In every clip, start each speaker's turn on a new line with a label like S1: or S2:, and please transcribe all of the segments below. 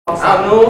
S1: สามนู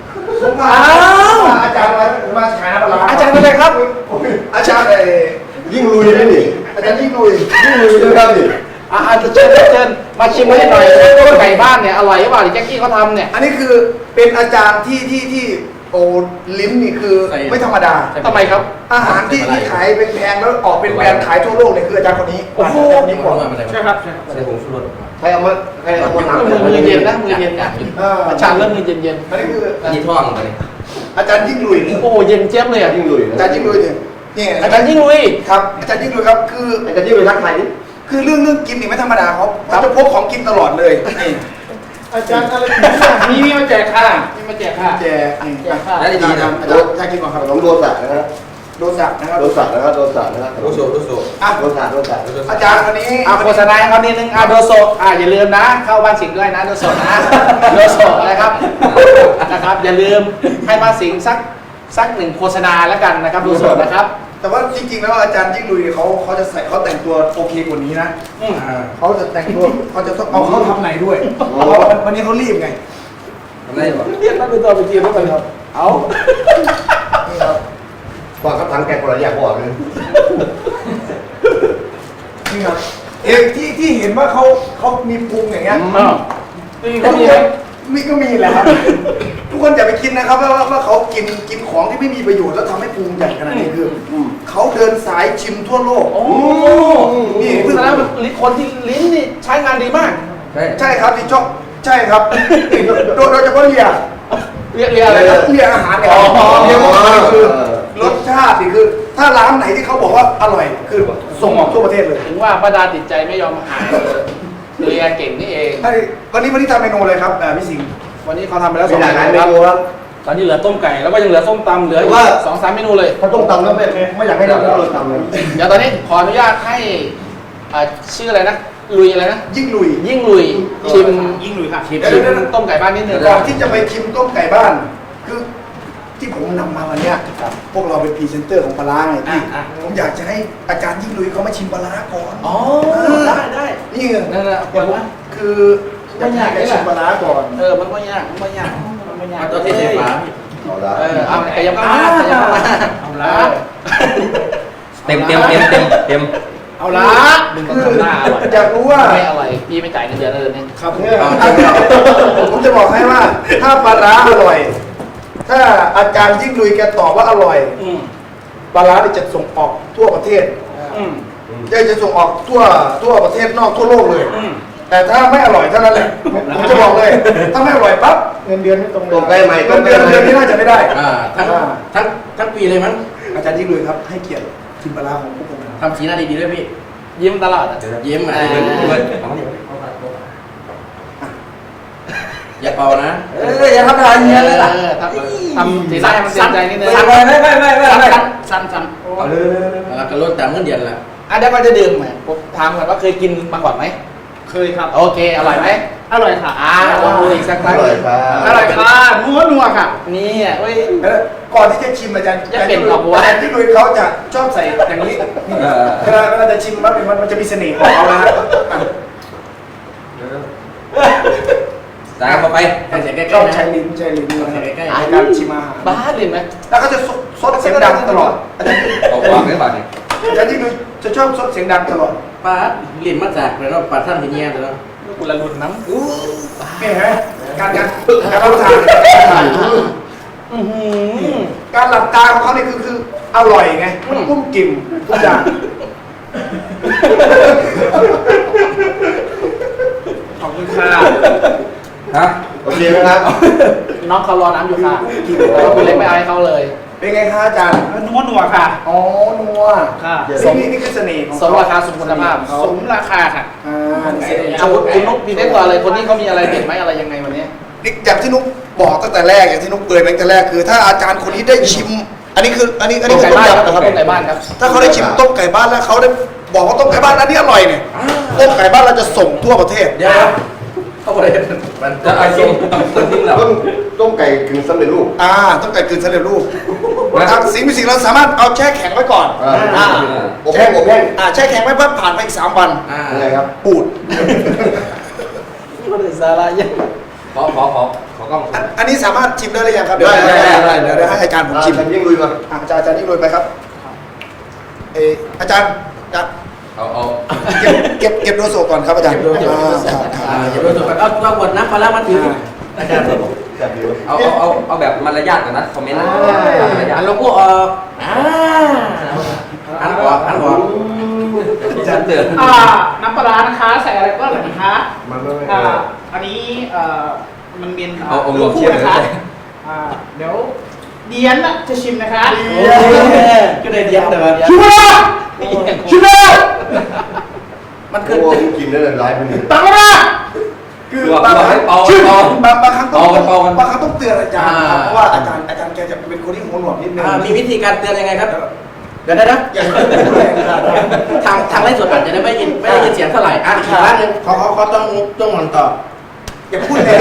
S2: อาจารย์มาขายน้ำปลา
S1: อาจารย์เป็นอะไรครับ
S2: อาจารย์
S3: ยิ่งลุยนี่
S2: อาจารย์ยิ่งลุย
S3: นะครับนี่
S1: เชิญมาชิมให้หน่อยต้มไก่บ้านเนี่ยอร่อยหรือเปล่าที่แจ็คกี้เขาทำเนี่ย
S2: อันนี้คือเป็นอาจารย์ที่โอ้ลิ้นนี่คือไม่ธรรมดา
S1: ทำไมครับ
S2: อาหารที่ขายเป็นแพงแล้วออกเป็นแบรนด์ขายทั่วโลกเนี่ยคืออาจารย์คนนี้
S1: โอ้โห
S2: อาจารย์นี้ก่อน
S1: ใช่ครับ
S3: ใส่ผงชูรสใครเอามาน้ำ
S1: มือเย็นนะมือเย็นนะอาจารย์เริ่มมือเย็น
S2: อันนี้คือ
S3: ยี่ท่องไป
S2: อาจารย์ยิ่งลุย
S1: โอ้เย็นเจี๊ยบเลยอ่ะ
S3: ยิ่งลุย
S2: อาจารย์ยิ่งลุยเนี่ยนี่
S1: อาจารย์ยิ่งลุย
S2: ครับอาจารย์ยิ่งลุยครับคือ
S3: อาจารย์ยิ่งลุยรักใครนี่
S2: คือเรื่องกินนี่ไม่ธรรมดาเขาจะพกของกินตลอดเลยนี่
S1: อาจารย์อะไรมีมาแจกค่ะมีมาแจกค่ะ
S2: แจกนี่
S1: แจกค่ะ
S3: แล้วดีนะ
S2: อาจารย์อยากกินก่อนครับ
S3: น้องโดสะนะครับ
S2: โดสักนะครับ
S3: โดสะนะครับโดสะนะครับโดโซโดโซ
S2: อ่ะ
S3: โดสะโดสะ
S2: อาจารย์วันนี้
S1: โฆษณาให้เขานิดนึงโดโซอย่าลืมนะ เข้าบ้านสิงห์ด้วยนะโดโซนะโดโซนะครับอย่าลืมให้บ้านสิงห์สักหนึ่งโฆษณาแล้วกันนะครับโดโซนะครับ
S2: แต่ว่าจริงๆแล้วอาจารย์ยิ่งลุยเขาจะใส่เขาแต่งตัวโอเคกว่านี้นะเขาจะแต่งตัวเขาจะต้องเอาเขาทำไหนด้วยเพราะว่าวันนี้เขารีบไง
S3: ทำไรวะ
S1: เรียกนักเป็นตัวไปจีนแล้วกันครับเอา
S2: นี่ครับ
S3: ก่อนก็ทั้งแกคนละอย่างก่อนเลย
S2: นี่ครับเอกที่เห็นว่าเขามีพุงอย่างเงี้ย
S1: ก็มีไหม
S2: มีก็มีแหละครับทุกคนอย่าไปคิดนะครับว่าเขากินของที่ไม่มีประโยชน์แล้วทำให้พุงใหญ่ขนาดนี้คือเขาเดินสายชิมทั่วโลก
S1: โอ้นี่แสดงว่าคนที่ลิ้นนี่ใช้งานดีมาก
S2: ใช่ครับที่ชอบใช่ครับโดยเฉพาะเรีย
S1: เรียกอะไรครับ
S2: เรียอาหารเนี่ยเรียกว่าคือรสชาตินี่คือ ถ้าร้านไหนที่เขาบอกว่าอร่อยคือส่งออกทั่วประเทศเลย
S1: ถึงว่าป้าดาติดใจไม่ยอมหายเรียเก่งนี่เอง
S2: วันนี้ทำเมนูเลยครับพี่สิงห์
S1: วันนี้เขาทำไปแล้ว
S3: มี
S1: 2
S3: หลากหลายเม
S1: เมนู
S3: นู
S1: ครับ
S3: ครับ
S1: ตอนนี้เหลือต้มไก่แล้วก็ยังเหลือส้มตำเหลือ2-3 เมนูเลย
S3: ถ้าต้องตำแล้วไม่อยากให้เราตำเลย
S1: เดี๋ยวตอนนี้ขออนุญาตให้ชื่ออะไรนะลุยอะไรนะ
S2: ยิ่งลุย
S1: ยิ่งลุยชิม
S4: ยิ่งลุยค่ะ
S1: ชิมต้มไก่บ้านนิดนึง
S2: ก่อนที่จะไปชิมต้มไก่บ้าน คือที่ผมนำมาวันเนี้ยพวกเราเป็นพรีเซนเตอร์ของปลาร้าไงพี่ผมอยากจะให้อาจารย์ยิ่งลุยเขามาชิมปลาร้าก่อน
S1: อ๋อได้
S2: นี่ไง
S1: นั่นแหละคนว่า
S2: คืออยากให้แกชิมปลาร้าก่อน
S1: มันไม่ยากมันไม่ยาก
S4: เอาตัวที่เสียฟ้า
S3: เอาละ
S1: เอาไก่ยำมาเอาละ
S4: เต็ม
S1: เอาละดึง
S2: คือ
S1: ทำหน้าอร่อย
S2: อยากรู้ว่า
S1: ไม่อร่อยพี่ไม่จ่ายเงินเดือนเลยเนี่ย
S2: ครับผมจะบอกให้ว่า ถ้าปลาร้าอร่อย ถ้าอาจารย์ยิ่งลุยแกตอบว่าอร่อยปลาร้าเนี่ยจะส่งออกทั่วประเทศจะส่งออกทั่วประเทศนอกทั่วโลกเลย แต่ถ้าไม่อร่อยเท่านั้นแหละผมจะบอกเลย ถ้าไม่อร่อยปั๊บเงินเดือนไม่ตรงเลย
S3: ตรงใกล้ไหม
S2: เงินเดือนนี้น่าจะไม่ได้
S4: ทั้งปีเลยมั้ง
S2: อาจารย์ยิ่งลุยครับให้เกียรติชิมปลาร้าของพวกผมนะครับ
S4: ทำสีหน้าดีๆด้วยพี่
S1: ยิ้มตลอดอ่ะ
S4: ยิ้มอย่าเป่านะ
S2: อย่าทำอะไรเงี้ยเลยล่ะ
S1: ทำสีหน้าให้มันเต็มใจนิดนึง
S4: สั่นเลยไม่
S1: สั้น
S2: เอาเลย
S4: แล้วก็ลดตามเงินเดือนละ
S1: เดี๋ยวก่อนจะดื่มผมถามก่อนว่าเคยกินมาก่อนไหม
S4: เคยครับ
S1: โอเคอร่อยไหม
S4: อร่อยค่ะ
S1: ลองดูอีกสักค
S3: อ
S1: รั้ง
S3: ร่อยครับ
S4: อร่อยค่ะนัวค่ะ
S1: นี่เว้ย
S2: ก่อนที่จะชิมอาจารย์
S1: จะเป็นหรอวะ
S2: อาจารย์ยิ่งลุยเขาจะชอบใส่อย่างนี้เวลาจะชิมมันจะมีเสน่ห์ของเขานะฮะ
S4: ตามเข้าไปใส่ใกล้
S2: ชอบ
S4: ๆนะ
S2: ใช้ลิ้นนะครับ
S4: ใส่ใกล้
S2: ในการชิมอาหาร
S1: บ้าเล่นไหม
S2: แล้วก็จะซดเสียงดังตลอดอาจารย์
S4: ๆวางไม่บาดเนี่ย
S2: ยิ่งลุยจะชอบซดเสียงดังตลอด
S4: ป้าเรียนมาจากแล้วปัดท่านที่เนี่ยแล้ว
S1: กุละลุนน้ำ
S2: นี่เห็นไหมการรับประทานการหลับตาของเขาเนี่ยคืออร่อยไงมันกุ้มกิ่มทุกอย่าง
S4: ขอบคุณค่ะ
S3: ฮะโอเคไหมครับ
S1: น้องเขารอน้ำอยู่ค่ะแล้วคุณเล็กไม่เอาให้เขาเลย
S2: เป็นไงคะอาจารย์
S4: นัวค่ะ
S2: อ๋อนัว
S4: ค่ะ
S2: นี่คือเสน่ห์ของ
S1: สมราคาสมคุณภาพ
S4: สมราคาค่ะ
S2: เสน่ห์
S1: เอาคุณนุ๊กพี่เล็กกว่าอะไรคนนี้เขามีอะไรเด็ดไหมอะไรยังไงวันนี้
S2: อย่างที่นุ๊กบอกตั้งแต่แรกอย่างที่นุ๊กเปิดตั้งแต่แรกคือ ถ้าอาจารย์คนนี้ได้ชิม อันนี้คือ
S1: ต้มไก่
S2: ต้ม
S1: บ้านครับ
S2: ยำนะครับ
S1: ต้มไก่บ้านครับ
S2: ถ้าเขาได้ชิมต้มไก่บ้านแล้วเขาได้บอกว่าต้มไก่บ้านอันนี้อร่อยเนี่ยต้มไก่บ้านเราจะส่งทั่วประเทศ
S4: เดี๋ยวเข้าไปมันจะเอาส้มต้องทิ้งเรา
S3: ต้มไก่กึ่งสำเร็จรูป
S2: ต้มไก่กึ่งสำเร็จรูปสิ่งมีสิ่งเราสามารถเอาแช่แข็งไว้ก่อน
S3: อบแห้งอบแห้ง
S2: แช่แข็งไว้ปั๊บผ่านไปอีก3 วัน
S3: อะไรครับ
S2: ปูด
S1: มันเป็นสาระยัง
S4: ขอกล้อง
S2: นนี้สามารถชิมได้หรือยังครับเดี๋ยวให้อาจารย์ผมชิม
S3: ยิ่งลุยมา
S2: อาจารย์นี่ลุยไปครับอาจารย์
S4: เอา
S2: เก็บโดโซก่อนครับอาจารย์
S4: เก็บโดโซ
S2: ครับ
S4: เดี๋ยวเราจะเอาบทน้ำปลามาถืออาจารย์
S3: แบบนี้
S4: เอาแบบมารยาทก่อนนะคอมเมนต์มารยาทเราพูดอันหัวอาจารย์เตือน
S5: น้ำปลาร้านะคะใส่อะไรก็อร่อยนะคะ
S3: มันไม่
S5: อันนี้มันเป็น
S4: เอารวมเชียร์
S5: นะคะเดี๋ยวเดียนจะชิมนะคะ
S4: ก็ได้เดียนแต่ว่า
S5: ชิมแล้วชิมแล้ว
S4: มัน
S3: คื
S4: คือ อ
S3: กินได้เลยไลฟ์มัน
S5: ตักมา
S2: คือ
S4: บอก
S2: บางครั้ง
S4: เป่า
S2: บางครั้งต้อง
S4: เป่ากัน
S2: บางครั้งต้องเตือนอาจารย์ครับเพราะว่าอาจารย์แกจะเป็นคนที่หัวหนวกนิดนึง
S4: มีวิธีการเตือนยังไงครับเดี๋ยวนะ
S2: อย่าพูดแรงครับ
S4: ทางไลฟ์สดอาจจะไม่ได้ยินเสียงเท่าไหร่อีกครั้งนึงเขาต้องมันต่อ
S2: อย่าพูดแรง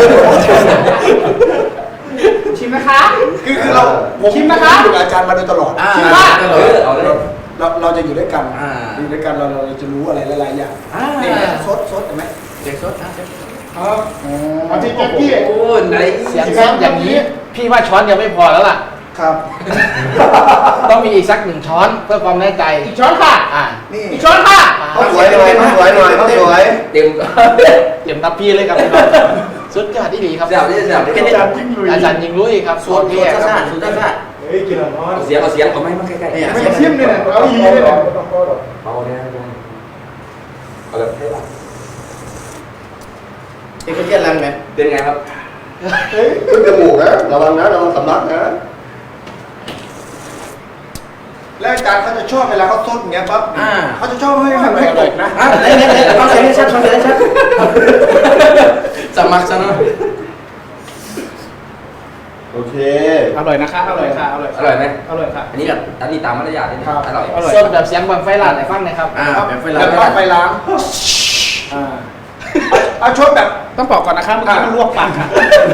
S5: ชิมนะคะ
S2: คือเราผม
S5: ชิมนะคะ
S2: อยู่กับอาจารย์มาโดยตลอด
S4: เอาเลย
S2: เราจะอยู่ด้วยกัน
S4: อ่า
S2: อยู่ด้วยกันเราจะรู้อะไรหลายๆอย่างนี่ซดเห็นไหม
S4: เด็กสด
S5: เอาที่แจ็คกี้
S4: โอ้ไหน
S1: เสียงซดอย่างนี้ พี่ว่าช้อนยังไม่พอแล้วล่ะ
S2: ครับ
S1: ต้องมีอีกสัก1 ช้อนเพื่อความแน่ใจ
S5: อีกช้อนค่ะ
S2: นี่
S5: อีกช้อนค่ะ
S3: เขาสวยหน่อยเขาสวยหน่อยเขาสวย
S4: เต็ม
S1: เต็มทัพพี่เลยครับพี่น้องสุดยอดที่ดีครับ
S4: เสียบเสียบ
S1: อาจารย์ยิงลุยครับ
S4: สูตร
S1: เท่ครับ
S4: สูตรซ่า
S2: เฮ้ยกินร้อน
S4: เอาเสียงเอาไม้มาใกล้ๆ
S2: ไม่ชิมเลยนะเอาอีเลยนะ
S4: เบาเนี่ยเอาแบบให้หลับเอกเทียนรังไหมเป็นไงครับ
S3: ขึ้นจมูกนะระวังนะระวังสำลักนะ
S2: แล้วอาจารย์เขาจะชอบเวลาเขาซดอย่างเงี้ยปั๊บเขาจะชอบให้มันตกนะ
S4: เอาเสียงให้ชัดเอาเสียงให้ชัดสมัครซะเนาะ
S3: โอเค
S5: อร่อยนะคะอร่อยค่ะอร่อย
S4: อร่อยไหม
S5: อร่อยค่ะ
S4: อันนี้แบบอันนี้ตามมารยาทนี่อร่อย
S1: ส้มแบบเสียงบังไฟลาดไหนฟังหนะครับ
S4: แบบเวลา
S2: แล้วก็ไปล้างเอาชดแบบ
S5: ต้องบอกก่อนนะคะเมื่อกี้มันลวกปากค่ะ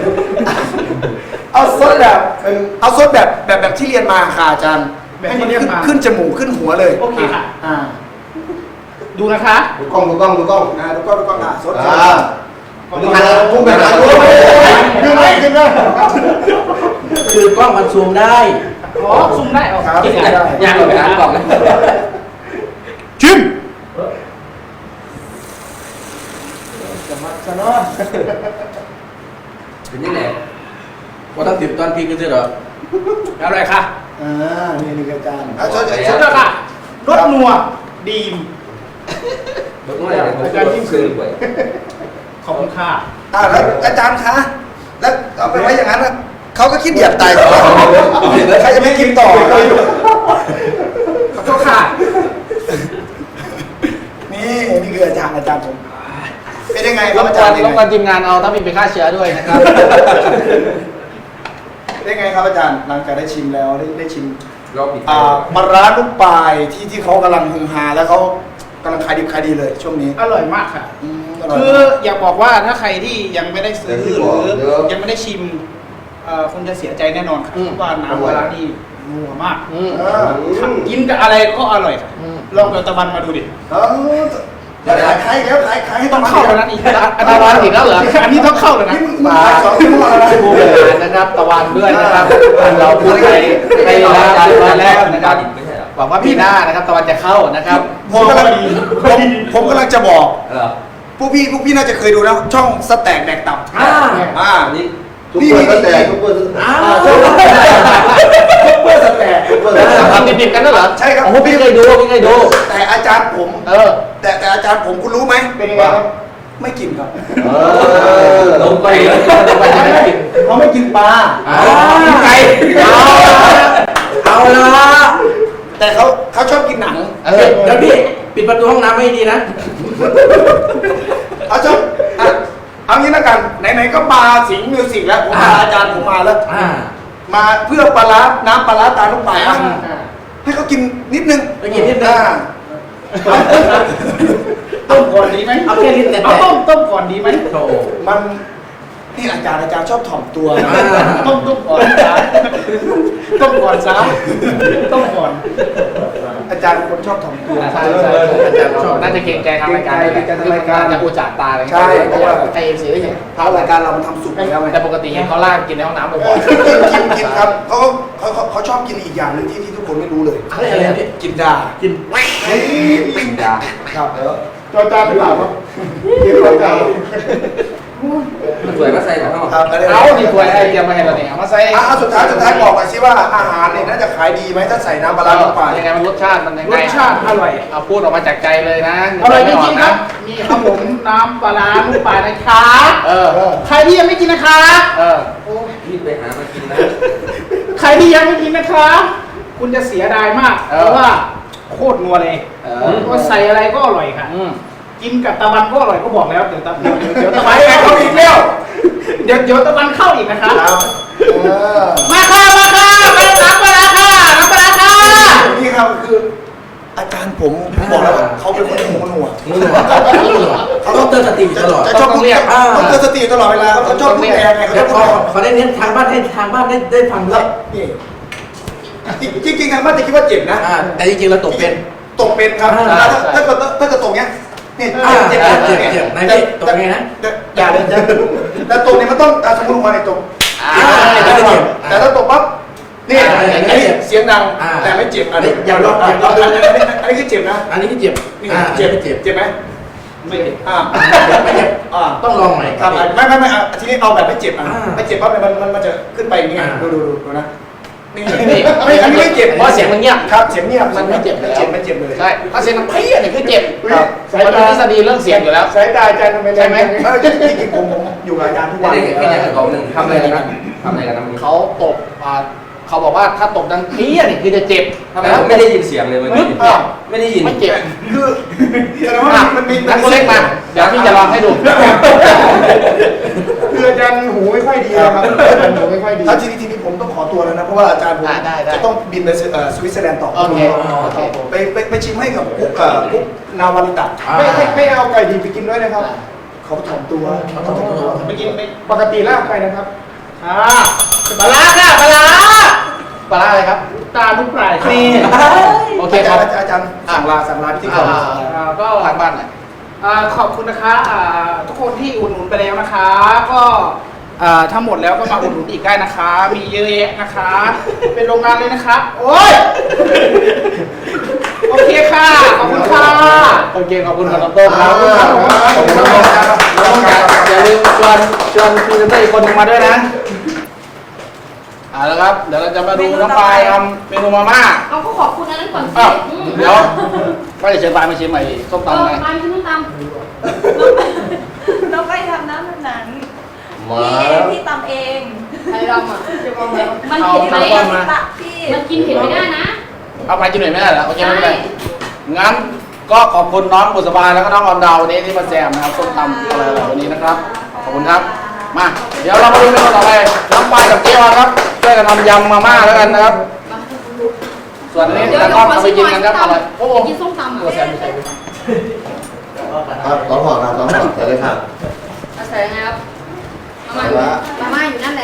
S2: เอาซดแบบเอาซดแบบที่เรียนมาค่ะอาจารย์
S5: แบบ
S2: ให้
S5: ที่
S2: มัน
S5: เรียนมา
S2: ขึ้นจมูกขึ้นหัวเลย
S5: โอเคค่ะ
S2: อ่า
S5: ดูนะคะ
S3: ดูกล้อง
S2: ดูกล้องดูกล้องซด
S3: อ่าดูหันพุ่งไปหาดู
S2: ขึ้นเลยขึ้นเลย
S4: คือกล้องมันซูมได้
S5: อ๋อซุ่มได้ออก
S2: ครับ
S4: ยังไปหากล่องนะ
S2: ชิม
S4: เป็นยังไงว่าต้องติดตอนพีกันใช่เหรอ
S5: อร่อยค่ะ
S2: นี่อาจารย์เอาชด
S5: สุดยอดค่ะรสนัวดีม
S4: รถน้อยเลยผมจะยิ่งซื้อไป
S5: ขอบคุณค่ะ
S2: แล้วอาจารย์คะแล้วเอาไปไว้อย่างนั้นเขาก็คิดเหยียบตายต่อใครจะไม่กินต่อ
S5: ขอโทษค่ะ
S2: นี่คืออาจารย์ผมเป็นยังไงค
S1: ร
S2: รับบ อาก จา
S1: ว
S2: ร
S1: น
S2: ย์
S1: รบกวนทีมงานเอาถ้ามีไปฆ่าเชื้อด้วยนะครับ
S2: เป็นยังไงครับอาจารย์หลังจากได้ชิมแล้วได้ชิม
S4: รอบปิด
S2: ปลาร้าลูกปลายที่เขากำลังฮือฮาแล้วเขากำลังขายดิบขายดีเลยช่วงนี้
S5: อร่อยมากค่ะ
S2: อร่อย
S5: คืออยากบอกว่าถ้าใครที่ยังไม่ได้ซื้อหรือยังไม่ได้ชิมคงจะเสียใจแน่นอนค่ะว่าน้ำปลาร้านี่นัวมาก กินกับอะไรก็อร่อยค่ะลองเอาตะวันมาดูดิ
S2: ขายแล้วขายให้
S5: ต้องเข้าแล้วนะนี่
S1: ตะวันอีกแล้วเหรอ
S5: อันนี้ต้องเข้าแล้วนะ
S2: มา2 ชั่วโมงแล้วนะ
S1: ผู้บริหารนะครับตะวันด้วยนะครับเราพูดไปแล้วมาแล้วนะครับ
S4: ไม่ใช่หรอ
S1: หวังว่าปีหน้านะครับตะวันจะเข้านะครับ
S2: ผมกำลังจะบอก
S4: เหรอ
S2: พวกพี่น่าจะเคยดูนะช่องสแต็กแดกตับ
S4: อันนี้
S3: ทุกคนก็แต่ทุกคน
S2: ช่องซุปเปอร์สแต็ก
S1: ทำดิบๆกันด้วยเหรอ
S2: ใช่ครับ
S1: โอ้โหพี่เคยดูพี่เคยดู
S2: แต่อาจารย์ผม แต่อาจารย์ผมคุณรู้ไหมเป็นยังไงครับไม่กินครับ
S4: ลงไป
S2: เขาไม่กินปลา
S4: ไก่เอาละ
S2: แต่เขาชอบกินหนัง
S4: แล้วพี่ปิดประตูห้องน้ำให้ดีนะ
S2: เขาชอบเอางี้แล้วกันไหนๆก็มาสิงห์มิวสิกแล้วผมพาอาจารย์ผมมาแล้วมาเพื่อปลาร้าน้ำปลาร้าตาลูกปลายให้เขากินนิดนึง
S4: ไปกินนิดนึง
S5: ต้มก่อนดีไหม
S4: เอาแค่ลิ้นแต่
S5: เอาต้มก่อนดีไหม
S4: โอ้
S2: มันนี่อาจารย์ชอบถ่อมตัวนะ
S5: ต้มก่อนจ้าต้มก่อนจ้าต้มก่อน
S2: อาจารย์เป็นคนชอบถ่อมตัว
S1: ใช่ใช่อาจารย์ชอบน่าจะเกรงใจทางรายการ
S2: เกรงใจทางรายการ
S1: จะอุจจาตาอะไร
S2: ใช่เพราะว่า
S1: ไอเอ็มซีได้เห็น
S2: ทางรายการเรามันทำสุกแล้วไง
S1: แต่ปกติเห็นเขาลากกินในห้องน้ำบ่อย
S2: กินครับเขาชอบกินอีกอย่างหนึงที่ทุกคนไม่รู้เลย
S4: อะไรพี่
S2: กินดา
S4: กิน
S3: กินดา
S2: ครับจอจานหรือเปล่าครับกินจอจาน
S4: มันสวยก็ใส่แบบนั้น
S2: ครับ
S1: ๆเอานี่ถ้วยไอเตรียมมาให้เราเนี่ยเอามาใส่
S2: สุดท้ายบอกหน่อยสิว่าอาหารเนี่ยน่าจะขายดีไหมถ้าใส่น้ำปลาร้าลงไป
S1: ยังไงมันรสชาติมันยัง
S5: ร
S1: ไง
S5: สชาติอร่อย
S1: เอาพูดออกมาจากใจเลยนะ
S5: อร่อยจริงๆครับมีครับผมน้ำปลาร้าลูกปลานะคะ
S1: เออ
S5: ใครที่ยังไม่กินนะคะ
S1: เออ
S4: รีบไปหามากินนะ
S5: ใครที่ยังไม่กินนะคะ คุณจะเสียดายมาก
S1: เออ
S5: เพราะว่าโคตรนัวเลย
S1: เออ
S5: ก็ใส่อะไรก็อร่อยค่ะ
S1: อืม
S5: กินกับตะวันก็อร่อยก็บอกแล้วเดี๋ยวตะวัน
S2: ไปเขาอีกแล้ว
S5: เดี๋ยวตะวันเข้าอีกนะคะ
S2: ครับเออ
S5: มาค่ะมาค่ะมาน้ำปลาร้าค่ะน้ำปลาร้าค่ะ
S2: นี่ครับคืออาจารย์ผมบอกแล้วว่าเขาเป็นคนหูหนวก
S4: เขาต้องเตือนสติตลอด
S2: จะชอบพูดต้องเตือนสติตลอดเวลาเขาชอบพูดแรงไงเขา
S4: เดี๋ยว
S2: พูดแรง
S4: เขาได้เน้นทางบ้านให้ทางบ้านได้ฟังด้วย
S2: นี่จริงๆทางบ้านจะคิดว่าเจ็บนะ
S4: แต่จริงๆเราตกเป็น
S2: ตกเป็นครับถ้าเกิดตกเนี้ยนี่เจ็บ
S4: เจ็บนายพี่ตกไงนะ
S2: อย่าเลยแต่ตกเนี่ยมันต้องสมมติลงมาในตก แต่ถ้าตกปั๊บนี่เสียงดังแต่ไม่เจ็บอันนี้อย่าลองอันนี้คือเจ็บนะ
S4: อันนี้ที่เจ็บ
S2: นี่เจ็บเจ็บไหม
S5: ไม่เห็น
S4: ไม่เจ็บต้องลองใหม่
S2: ครับไม่ทีนี้เอาแบบไม่เจ็บไม่เจ็บปั๊บมันจะขึ้นไปอย่างเงี้ยดูนะนี่ไม่อันนี้ไม่เจ็บ
S1: เพราะเสียงมันเงียบ
S2: ครับเสียงเงียบ
S1: มันไม่เจ็บเลย
S2: ไม่เจ็บเลย
S1: ใช่ถ้าเสียงมันเพี้ยเนี่ยคือเจ็บ
S2: ครับ
S1: มันเป็นทฤษฎีเรื่องเสียงอยู่แล้ว
S2: สายตาอาจารย์ทำไมใช่ไหมจริงๆผมอยู่กับอาจารย์ทุกวัน
S4: ไม่ได้แค่ของหนึ่งทำอะไรกันนะทำอะไรกันนะมึง
S1: เขาตบเขาบอกว่าถ้าตบดังเพี้ยเนี่ยคือจะเจ็บ
S4: ทำไมผมไม่ได้ยินเสียงเลยเมื่อกี้ไม่ได้ยิน
S1: ไม่เจ็บ
S2: คือแสดงว่ามันมี
S1: นักเล็กมาเดี๋ยวพี่จะลองให้ดู
S2: คืออาจารย์หูไม่ค่อยดีนะครับอาจารย์หูไม่ค่อยดีถ้าทีนี้ผมต้องขอตัวแล้วนะเพราะว่าอาจารย์ผมจะต้องบินไปสวิตเซอร์แลนด์ต่อ
S1: โอเค
S2: ไปชิมให้กับกุ๊กนาวาริตะไม่เอาไก่ดีไปกินด้วยนะครับเขาถ่อมตัว
S5: ไม่กินไม่
S2: ปกติลากไปนะครับ
S5: ปลาร้าค่ะปลาร้า
S1: ปลาร้าอะไรครับ
S5: ตาลูกปลายนี่
S1: โอเค
S2: อา
S1: ค
S2: จา
S1: รั
S2: ร
S1: บ
S2: ย์อาจารย์สั่งลาพิธีกร
S5: ก็
S1: ทางบ้านหน่อย
S5: ขอบคุณนะคะทุกคนที่อุดหนุนไปแล้วนะคะ ก็ถ้าหมดแล้วก็มาอุดหนุนอีกได้นะคะ มีเยอะแยะนะคะ เป็นโรงงานเลยนะคะโอ้ยโอเคค่ะขอบคุณค่ะ
S1: โอเคขอบคุณครับน้องโต้ครับขอบคุณน้องโต้ครับน้องอย่าลืมชวนพรีเซนเตอร์อีกคนหนึงมาด้วยนะเอาละครับเดี๋ยวเราจะมาดูน้องปลายทำเมนูมาม่า
S6: เอาก็ขอบคุณอันนั้นก่อนสิ
S1: อ้าวเดี๋ยวก็จะเชิญปลายมาชิมใหม่ส้มตำไง
S6: ปลาชิมส้มตำ
S7: เราไปทำน้ำแบบนั้น
S3: มา
S7: พี่ตำเอง
S6: ใครรำอ่ะมัน
S1: เอา
S6: เผ็ดไหม
S1: น้ำก้อนมา
S7: ตักพี่
S6: มันกินเผ็ดไม่ได้นะ
S1: เอาไปกินหน่อยไม่ได้เหรอโอเคไม่เป็นไร
S6: ใช่
S1: งั้นก็ขอบคุณน้องบุษบาแล้วก็น้องออมดาววันนี้ที่มาแจมนะครับส้มตำอะไรวันนี้นะครับขอบคุณครับมาเดี๋ยวเรามาดูเมนูต่อไปน้องปลายกับเจ๊ออนครับช่วยกันทำยำมาม่าแล้วกันนะครับ ส่วนนี้
S6: เดี๋ยว
S1: แล้วก็เอาไปกินกันครับอะไรโอ้โห
S6: กินส้มตำ
S1: ตัวแซมไม่ใช่ไหม
S3: ครับสองห่อครับสองห่อเสร็จเลยครับ
S6: เอาใส่ไงครับมาม่าอยู่นั่นแหละ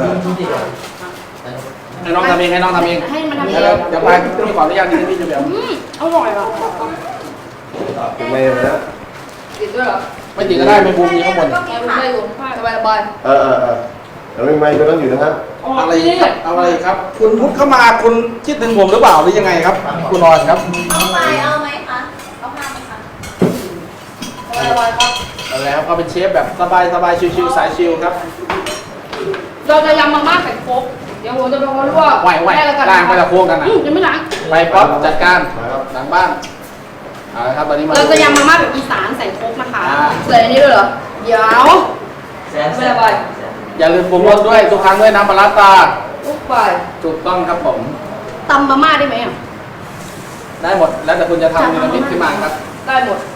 S1: ให้น้องทำเองให้น้องทำเอง
S6: ให้มันทำเอ
S1: เดี๋ยว
S6: ง
S1: เดี๋ยวไปพี่ขออนุญาตนิดนึงพี่จะเดี๋ยว
S6: อร่อยอ่ะ
S3: ไม่นะ
S6: ติดด้วยเหรอ
S1: ไม่ติดก็ได้ไม่บูมมีข้างบน
S6: แอบไม่อยู่สบายสบาย
S3: แล้วไม่ก็ต้องอยู่นะครับ
S1: อะไรครับเอาอะไรครับ คุณพุทธเข้ามาคุณคิดถึงผมหรือเปล่าหรือยังไงครับ คุณนอนครับ
S7: เอาไปเอาไหมคะเอาผ้าไหมคะ
S6: สบายครับ
S1: เอาแล้วก็เป็นเชฟแบบสบายชิวๆสายชิวครับ
S6: เราจะยำมาม่าไข่โคกเดี๋ยวผมจะไปลวก
S1: ไหว
S6: ได้แล้วกัน
S1: ล้างไปละโค้งกันนะ
S6: ยังไม่ล้าง
S1: ไปป๊อปจัดการหลังบ้านเอาละครับตอนนี้มา
S6: เราจะยำมาม่าแบบอีสานใส่โคกนะคะใส่อันนี้ด้วยเหรอเดี๋ยวไม่สบาย
S1: อย่าลืมปรุงรสด้วยทุกครั้งด้วยน้ำปลาร้าตา
S6: ลูกไป
S1: ถูกต้องครับผม
S6: ตำมาม่าได้ไหมอ่ะ
S1: ได้หมดแล้วแต่คุณจะทำเมนูนี้ขึ้นมาครับ
S6: ได้หมด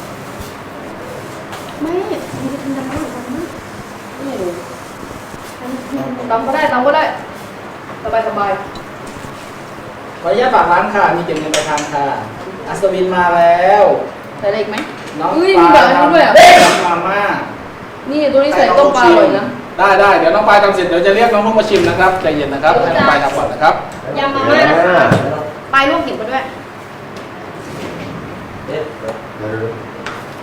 S6: ไม่มันจะทำได้หรือเปล่าไม่รู้ตำก็ได้สบายสบาย
S1: ขออนุญาตฝากร้านค่ะมีเก็บเงินปลายทางค่ะอัศวินมาแล้ว
S6: ใส่อะไรอีกไหม
S1: น้อง
S6: อุ้ย
S1: ป
S6: มี
S1: ลา
S6: แบบนั้นด้วยอ่ะ
S1: ทำมาม่า
S6: นี่ตัวนี้ใส่ต้มปลาอร่อยนะ
S1: ได้เดี๋ยวน้องปลายทำเสร็จเดี๋ยวจะเรียกน้องลูกมาชิมนะครับใจเย็นนะครับให้น้องปลายทำก่อนนะครับ
S6: ยำมาม่านะคะปลายลวกเห็ดมาด้วย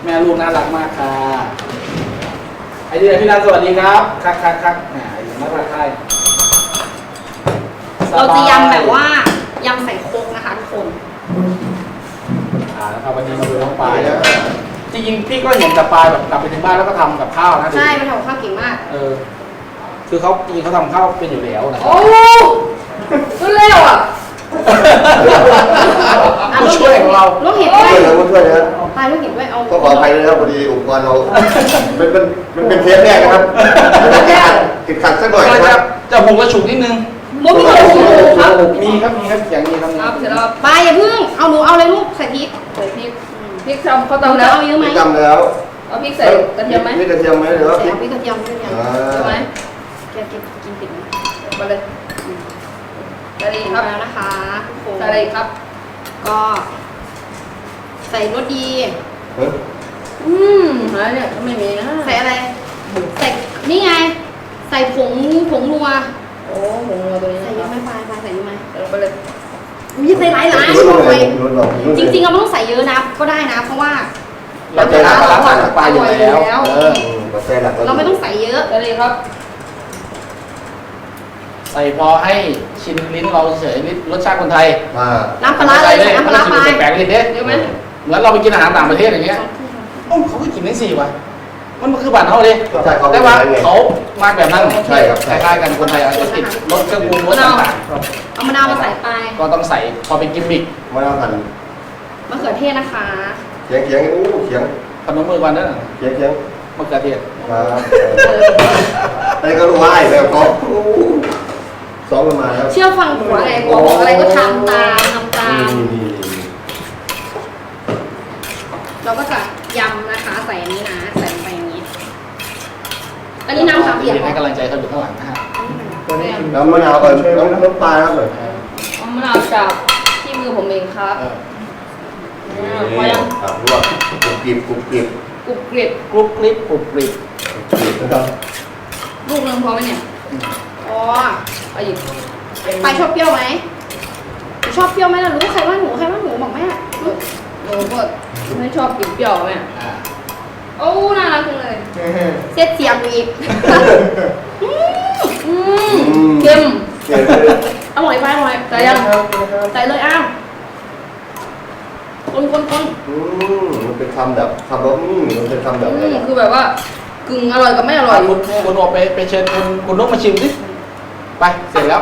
S1: แม่ลูกน่ารักมากค่ะไอเดียพี่นันสวัสดีครับครับแหมน่ารักใคร
S6: เราจะยำแบบว่ายำใส่โคกนะคะทุกคน
S1: นะครับวันนี้มาดูน้องปลายจริงๆพี่ก็เห็นแต่ปลายแบบกลับไปถึงบ้านแล้วก็ทำกับข้าวนะ
S6: ใช่มันทำกับข้าวเก่งมาก
S1: คือเขาจริงเขาทำข้าวเป็นอยู่แล้วนะ
S6: โอ้รวดเร็วอ่ะ
S1: ผู้ช่วยของเรา
S6: ลูกเห็นด้วย
S3: ช่วยนะช่วยนะ
S6: ปลายลูกเห็นด้วยเอา
S3: ก็ขออภัยด้วยนะครับพอดีอุปกรณ์เรามันเป็นเทปแรกนะครับติดขัดสักหน่อย
S1: ก็
S3: นะครับ
S1: จะหุงกระฉุกนิดนึง
S6: ลูกมีกระดูกครับ
S1: มีครับอย่างนี้ครับ
S6: ครับเสร็จแล้วปลายอย่าเพิ่งเอาหนูเอาเลยลูกใส่พริกใส่พริกพริกทำเขาตำแล้วเอาเยอะไหม
S3: จำแล้ว
S6: เอาพริกใส่กระเทียมไหม
S3: นี่กระเทียมไหมหรือว่าพริก
S6: เอาพริกกระเทียมเยอะไหมแกกินผิดไหมมาเลยใส่ครับแล้วนะคะใส่อะไรครับ ก็ใส่รสดี
S7: อะไรเนี่ยไม่มีนะ
S6: ใส่อะไรใส่นี่ไง ใส่ผงนัว
S7: โอ้โหตัวนี้
S6: ใส่เยอะไหมปลายใส่เยอะไหม
S7: ลงไปเลย
S6: มีใส่หลายจริงๆเราไม่ต้องใส่เยอะนะก็ได้นะ เพราะว่า
S1: เราจะรับปลาปลาอยู่แล้ว
S3: กาแฟหลัก
S6: เราไม่ต้องใส่เยอะ
S7: เลยครับ
S1: ใส่พอให้ชินลิ้นเราเฉยรสชาติคนไทย
S6: น้ำปลาร้าเลยใส่น้ำปลาร้าไป
S1: แปลกๆเลยเด้
S6: เยอะไหม
S1: เหมือนเราไปกินอาหารต่างประเทศอย่างเงี้ยเขาก็กินได้สี่ว่ะมันคือบ้านเขาเลยแต่ว่าเขามาแบบนั้นคล้ายๆกันคนไทยอาจจะติดรสเครื่องปรุงรสต่าง
S6: เอามะนาวมาใส่ไป
S1: ๆก็ต้องใส่พอเป็นกิมมิค
S3: มะนาวหั่น
S6: มะเขือเทศนะคะ
S3: เขียงเขียง
S1: ขนมมือวันนั้น
S3: เขียง
S1: มะเขือเทศ
S3: ไอ้ก็รู้ว่าไอ้แบบเขาซ้อมกันมาแล้ว
S6: เชื่อฟังผัวไงผัวบอกอะไรก็ทำตามเราก็จะยำนะคะใส่อันนี้นะใส่ลงไปอย่างนี้ อันนี้น้ำสามเหลี่ยม
S1: ให้กำลังใจเขาอยู่ข้างหลังนะฮะ
S3: น้ำมะนาวก่อนน้ำปลาครับเลย
S7: เอามะนาวจับที่มือผมเองครับพอยัง
S3: ครับลวกกรุบกริบ
S7: กรุบกริบ
S1: กรุบกริบ
S3: นะครับ
S6: ลูกนึงพอไหมเนี่ยอ๋อ
S7: เอาอีก
S6: ไปชอบเปรี้ยวไหมชอบเปรี้ยวไหมล่ะรู้ใครว่าหนูบอกแม่
S7: หนูก็ไม่ชอบกินเปรี้ยวแม่
S6: โอ้น่ารักจังเลยเซตเสียงอีกเค็มอร่อยไปอร่อยใส่ยังใส่เลยอ้าวคน
S3: มันเป็นคำแบบคำว่ามันเป็นคำแบบอะไร
S7: คือแบบว่ากึ่งอร่อยกับไม่อร่อย
S1: คุณออกไปเชิญคุณนกมาชิมสิไปเสร็จแล้ว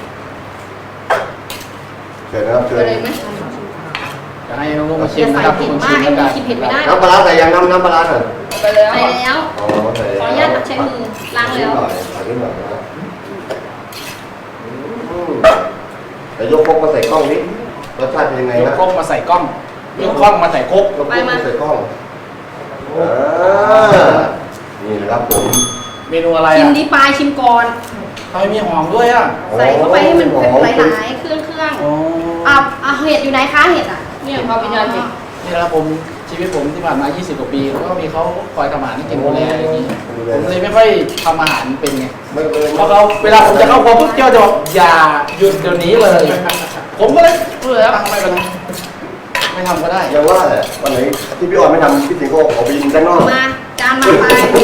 S3: เชิญนะครับเชิญ
S7: อะไรไหม
S1: จะให้น้องนกมาชิ
S6: จะ
S1: ม
S6: ใส่
S1: นะครับ
S6: ผิด
S1: คุณ
S6: มา
S1: ชิ
S6: ก
S1: ม
S6: ไอ้
S1: กัน
S6: นี่กินเผ็ดไม่ได้
S3: น้ำปลาใส่ยังน้ำปลาหน่อย
S7: ไปแล้ว
S6: ใส่แล้ว
S3: อ๋อใส่
S6: ขออนุญาตใช้มือล้างแล้ว
S3: ใส่นิดหน่อยนะแต่ยกพกมาใส่กล้องนี้รสชาติเป็นยังไง
S1: ยก
S3: นะ
S1: ครกมาใส่กล้องยกครกมาใส่ครก
S3: ยกพกมาใส่กล้องนี่นะครับผม
S1: เมนูอะไร
S6: ชิม
S1: อ่ะ
S6: ดีปลายชิมก่อน
S1: ทำไมมีหอมด้วยอ่ะ
S6: ใส่เข้าไปให้มันหลายๆเครื่อง
S1: อ๋อ
S6: เห็ดอยู่ไหนคะเห็ดอ่ะ
S7: เนี่ยพอวิญญาณเห็น
S1: นี่นะครับผมชีวิตผมที่ผ่านมา 20 กว่าปีแล้วก็มีเขาคอยทำอาหารให้กินดูแลอย่างนี้ผมเลยไม่ค่อยทำอาหารเป็นไง
S3: ไม่เป็น
S1: เพราะเขาเวลาผมจะเข้าครัวปุ๊บเจ้าจะบอกอย่าหยุดเดี๋ยวนี้เลย ผมก็เลยตั้งไม่เป็นไรไม่ทำก็ได้
S3: ยังว่าแหละวันไหนที่พี่ออนไม่ทำพี่สิงห์ก็ขอไปยิงด้านนอก
S6: มาจานมาไป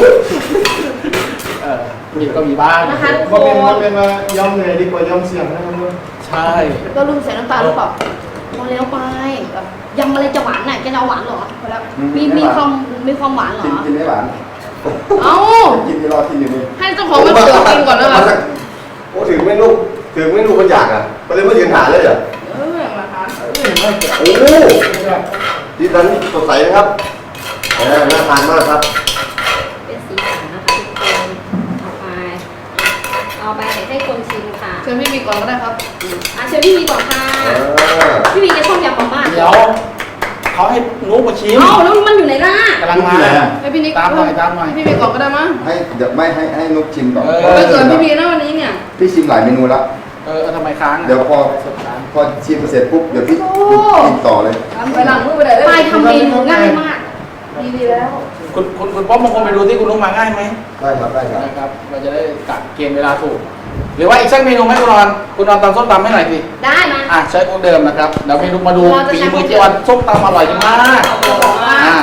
S1: มีก็มีบ้าง
S6: นะคะทุกค
S2: มันเป็นมายอมเหนื่อยดีกว่ายอมเสี่ยงนะครับ
S1: ใช่
S6: ก็ลืมใส่น้ำตาลหรือเปล่าพอแล้วไปยำอะไรจะหวานน่ะแกจะเอาหวานเหรอพอแล้วมีความหวานเหรอ
S3: กินไม่หวาน
S6: เอ้า
S3: กินที่รอที่อยู่นี่
S7: ให้เจ้าของมาเปิดกินก่อนแล้วกัน
S3: โอ้ถึงไม่ลูกมันอยากอ่ะก็เลยมายืนหาเลยเหรอ
S7: มาคะ
S3: โอ้ที่นั้นสดใสนะครับน่าทานมากครับ
S6: เป็นสีสันนะคะทุกคนเอาไปให้คนชิมค่ะ
S7: เชิญพี่มีก่อนก็ได้ครับ
S6: เชิญพี่วีก่อนค่ะพี่วีแกชอบยำมาก
S1: เดี๋ยวเขาให้นุ๊กมาชิม
S6: เอ้าแล้วมันอยู่ไหนล่ะ
S1: กำลังมา
S7: ให้พี่นิก
S1: ตามหน่อย
S7: พี่มีก่อนก็ได้มั้ง
S8: ให้เดี๋ยวไม่ให้นุกชิมก่อน
S7: ไปเกิดพี่มีนะวันนี้เนี่ย
S8: พี่ชิมหลายเมนูแล้ว
S1: ทำไมค้าง
S8: เดี๋ยวพอชิมเสร็จปุ๊บเดี๋ยวพี่กินต่อเลย
S7: ไปหลังมือไปไหนเลย
S6: ปลายทำเมนูง่ายมาก
S7: ดีแล้ว
S1: คุณป๊อปบางคนไปดูที่คุณนุ๊กมาง่ายไหม
S3: ได้ครับได้ครับ
S1: นะครับเราจะได้กัดเกณฑ์เวลาถูก หรือว่าอีกสักเมนูไหมคุณนอนตำส้มตำให้หน่อยสิ
S6: ได้มา
S1: ใช้พวกเดิมนะครับเดี๋ยวเมนูมาดูฝีมือเจ๊วันส้มตำอร่อยมาก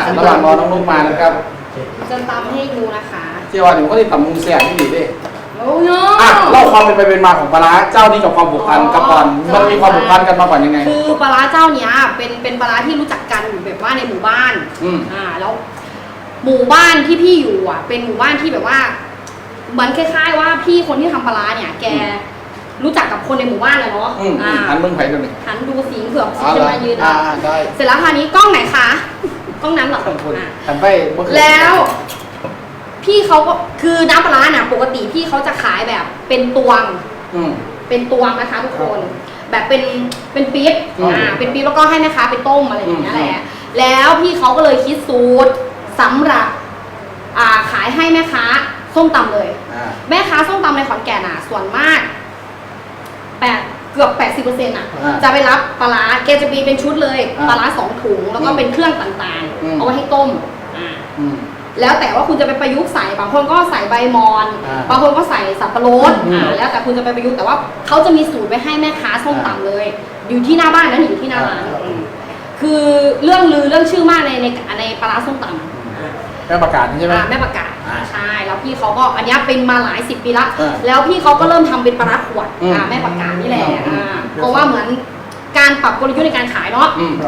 S1: ระหว่างรอน้องนุ๊กมานะครับ
S6: จะตำให้ดูนะคะ
S1: เจ้าวันผมก็ติดต่ำมุงแซ่บที่ดีดิ
S6: โอ้ย
S1: อ่ะเล่าความเป็นไปเป็นมาของปลาร้าเจ้านี้กับความผูกพันกับก่อนมันมีความผูกพันกันมาก่อนยังไง
S6: คือปลาร้าเจ้าเนี้ยเป็นปลาร้าที่รู้จักกันอยู่แบบว่าในหมู่บ้าน แล้วหมู่บ้านที่พี่อยู่อ่ะ เป็นหมู่บ้านที่แบบว่าเหมือนคล้ายๆว่าพี่คนที่ทำปลาร้าเนี่ยแกรู้จักกับคนในหมู่บ้านเลยเนาะ
S1: หันเมืองไผ่ดูหนึ่ง
S6: หันดูสีเผือกสีจะมายืน
S1: ได้
S6: เสร็จแล้วคราวนี้กล้องไหนคะกล้องนั้นเหรอ
S1: หันไปเมื่อคืน
S6: แล้วพี่เขาก็คือน้ำปลาร้าเนี่ยปกติพี่เขาจะขายแบบเป็นตวงเป็นตวงนะคะทุกคน แบบเป็นปี๊บเป็นปี๊บแล้วก็ให้แม่ค้าไปต้มอะไรอย่างเงี้ยแหละแล้วพี่เขาก็เลยคิดสูตรสำหรับขายให้แม่ค้าส้มตำเลยแม่ค้าส้มตำในขอนแก่นส่วนมากเกือบ 80%จะไปรับปลาร้าแกจะมีเป็นชุดเลยปลาร้า2 ถุงแล้วก็เป็นเครื่องต่างๆเอาไว้ให้ต้มแล้วแต่ว่าคุณจะไปประยุกต์ใส่บางคนก็ใส่ใบมอนบางคนก็ใส่สับปะรดแล้วแต่คุณจะไปประยุกต์แต่ว่าเขาจะมีสูตรไว้ให้แม่ค้าส้มตำเลย อยู่ที่หน้าบ้านนะอยู่ที่หน้าร้านคือเรื่องลือเรื่องชื่อมากในปลาร้าส้มตำ
S1: แม่ประกาศใช่ไหม
S6: แม่ประกาศใช่แล้วพี่เขาก็อันนี้เป็นมาหลาย10 ปีละแล้วพี่เขาก็เริ่มทำเป็นปลาร้าขวดแม่ประกาศนี่แหละเพราะว่าเหมือนการปรับกลยุทธ์ในการขายเนาะ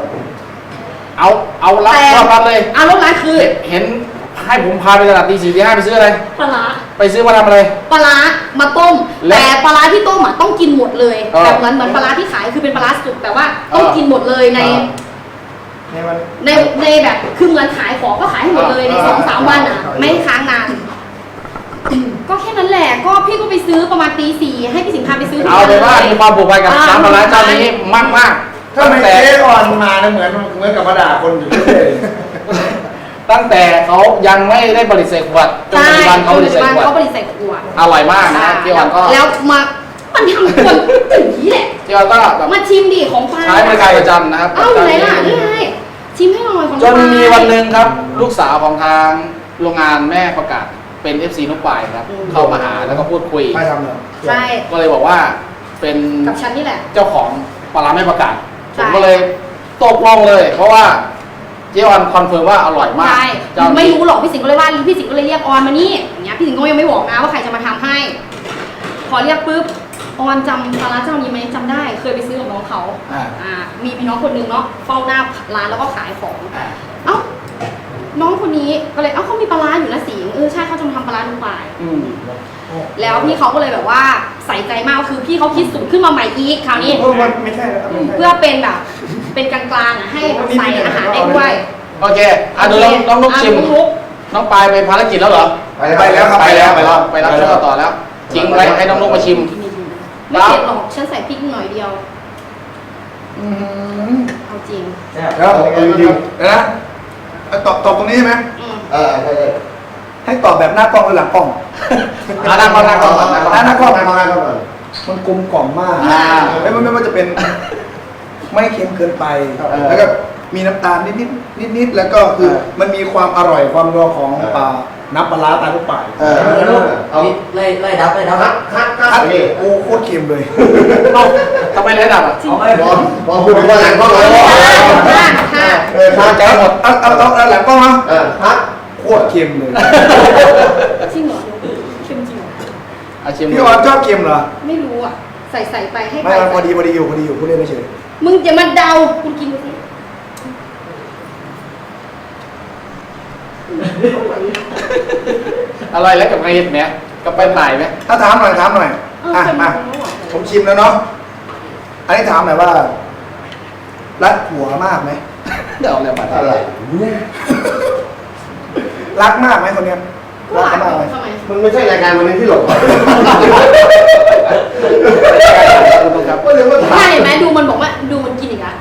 S1: เอารับเลย
S6: รถร้านคือ
S1: เห็นให้ผมพาไปตลาดตี 4 ตี 5ไปซื้ออะไร
S6: ปลาร้า
S1: ไปซื้อมาทำอะไร
S6: ปลาร้ามาต้มแต่ปลาร้าที่ต้มต้องกินหมดเลยแบบเหมือนปลาร้าที่ขายคือเป็นปลาร้าสุกแต่ว่าต้องกินหมดเลยในแบบคือเหมือนขายของก็ขายให้หมดเลยใน2-3 วันไม่ค้างนานก็แค่นั้นแหละก็พี่ก็ไปซื้อประมาณตี 4ให้พี่สิงห์พาไปซื้อ
S1: เอาเลยว่ามีความผูกพันกับน้ำปลาร้าเจ้านี้มาก
S2: ถ้าไม่เจ๊อ่อนมาเหมือนกับมาด่าคนอยู่เรื่อย
S1: ตั้งแต่เขายังไม่ได้ผลิตใส่ขวดจนปัจจุบันเขาผลิตใส่ขวดอร่อยมากนะพี่ออนก็
S6: แล้วมันทำคนอย่างนี้แหละ
S1: พี่ออนก็แบบ
S6: มาชิมดิของปลา
S1: ใช้บริการประจำนะครับ
S6: ไหนล่ะนี่ไงชิมให้หน่อยของ
S1: จนมีวันหนึ่งครับลูกสาวของทางโรงงานแม่ประกาศเป็น FC นุ๊กปายครับเข้ามาหาแล้วก็พูดคุย
S2: ไม่ทำเลย
S6: ใช่
S1: ก็เลยบอกว่าเป็น
S6: กับฉันนี่แหละ
S1: เจ้าของปลาร้าแม่ประกาศผมก็เลยตกลงเลยเพราะว่าเจ๊ออนคอนเฟิร์มว่าอร่อยมาก
S6: ไม่รู้หรอกพี่สิงห์ก็เลยว่าพี่สิงห์ก็เลยเรียกออนมานี่อย่างเงี้ยพี่สิงห์ก็ยังไม่บอกนะว่าใครจะมาทำให้พอเรียกปุ๊บออนจำปลาร้าเจ้านี้ไหมจำได้เคยไปซื้อกับน้องเขามีพี่น้องคนนึงเนาะเฝ้าหน้าร้านแล้วก็ขายของน้องคนนี้ก็เลยเขามีปลาร้าอยู่นะสิงห์ใช่เขาจะมาทำปลาร้านุ๊กปายแล้วพี่เขาก็เลยแบบว่าใส่ใจมากคือพี่เขาคิดสูตรขึ้นมาใหม่อีกคราวนี้
S2: ไม่ใช่
S6: เพื่อเป็นแบบเป็นกลางๆให้ใส่อาหารได้ด้วย
S1: โอเคดูน้องนุ๊กชิมน้องปายไปภารกิจแล้วเหรอ
S2: ไปแล้วครับ
S1: ไปรับช่วงต่อแล้วทิ้งไว้ให้น้องนุ๊กมาชิม
S6: ไม่เผ็ดหรอกฉันใส่พริกหน่อยเดียวเอาจริง
S2: แล้วจริงนะตอบตรงนี้ใช่ไหมให้ตอบแบบหน้ากล้องหรือหลังกล้อง
S1: หน้ากล้องหน้ากล้อง
S2: มันกลมกล่อมมากแล้วมันไม่ว่าจะเป็นไม่เค็มเกินไปแล้วก็มีน้ำตาลนิดแล้วก็คือมันมีความอร่อยความนัวของน้ำปลาร้าตาลูกป่าย
S4: เอาไล่ดับ
S2: โอ้โคตรเค็มเลย
S1: ทำไมไล่ดับ
S3: บอกพูดว่าหลังก็เลย
S2: ข้าใจหมดเอาหลังก็นะโคตรเค็มเลย
S6: จริงเหรอเค็มจริง
S2: พี่ออนชอบเค็มเหรอ
S6: ไม่รู้ใส่ไปให้
S2: ไม่พอดีอยู่พูดเล่นไม่เฉย
S6: มึงอย่ามาเดาคุณกินดูสิ
S1: อร่อยแล้วกับไงเห็ดไหมกับไปถ่ายไหม
S2: ถ้าถามหน่อยมาผมชิมแล้วเนาะอันนี้ถามหน่อยว่ารักผัวมากไหม
S1: เดี๋ยวเรียกมาอะไร
S2: รักมากไหมคนเนี้ย
S6: รักมากไหม
S3: มันไม่ใช่รายการวันนี้ที่หลบ
S6: ใช่ไหมดูมันบอกว่าดูมันกินอีกแล้ว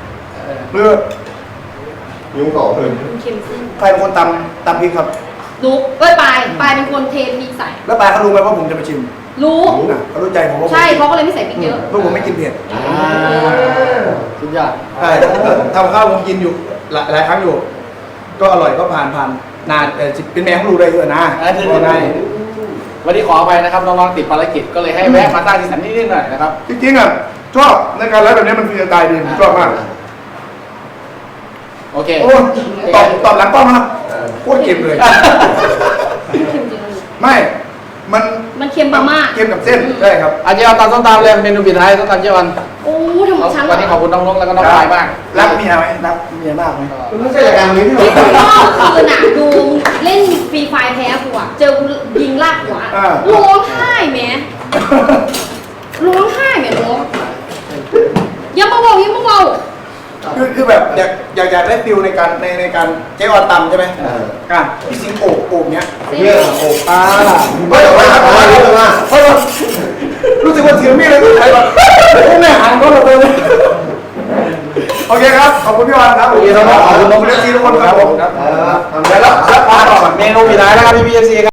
S3: ยุ่งต่อเลย
S2: ใครเป็นคนตำพริกครับ
S6: นุ๊กปายเป็นคนเทพริกใส่
S2: แล้วปายเขารู้ไหมว่าผมจะไปชิม
S6: รู้
S2: เขารู้ใจผมว่า
S6: ใช่เขาก็เลยไม่ใส่พริกเยอะ
S2: เพราะผมไม่กินเผ็ด
S1: สุดยอด
S2: ใช่ทำข้าวผมกินอยู่หลายครั้งอยู่ก็อร่อยก็ผ่านนานเป็นแมวเขารู้ได้เยอะนะ
S1: วันนี้ขอไปนะครับน้องๆติดภารกิจก็เลยให้แวะมาตั้งที่สันนิดหน่อยนะครับ
S2: จริงๆชอบในการไลฟ์แบบนี้มันฟรีสไตล์ดีผมชอบมาก
S1: โอเค
S2: โอ้ตอบหลังกล้องนะโคตรเค็มเลย
S6: เค็มจริง
S2: ไม่มัน
S6: มันเค็มมาก
S2: เค็มกับเส้นใช่ครับ
S1: อาเจียวตำส้มตำเลยเมนูปิดท้ายส้มตำเจียววัน
S6: ๆโอ้ทำไมฉัน
S1: วันนี้ขอบคุณน้องนกแล้วก็น้องปลายมาก
S2: รักเมียไหมรักเมียมากไหม
S3: คุณไม่ใช่รายการนี้ที่
S6: ที่
S3: เรา
S6: คุณพ่อคืนน่ะดูเล่นฟรีไฟแพ้กูอ่ะเจอกูยิงลากหัวร้องไห้แหมร้องไห้แหมน้องยังมาเบายังมาเบา
S2: คือแบบอยากได้ฟิลในการในการเจ๊ออนตำใช่ไหมการพี่สิงโอบเนี้ย
S3: เรื่องโอ้
S2: ไม่ออกมาครับเพราะว่ารู้สึกว่าถือมีดเลยใครแบบไม่หันก็เราเลยโอเคครับขอบคุณพี่ออนครับ
S1: โอเคครับขอบคุณน้อง
S2: เอฟซีทุกคนครับผมครับ
S3: ทำ
S1: แล้ว
S3: ได้
S1: แล้วเมนูปิดท้ายนะครับพี่พีเอฟซี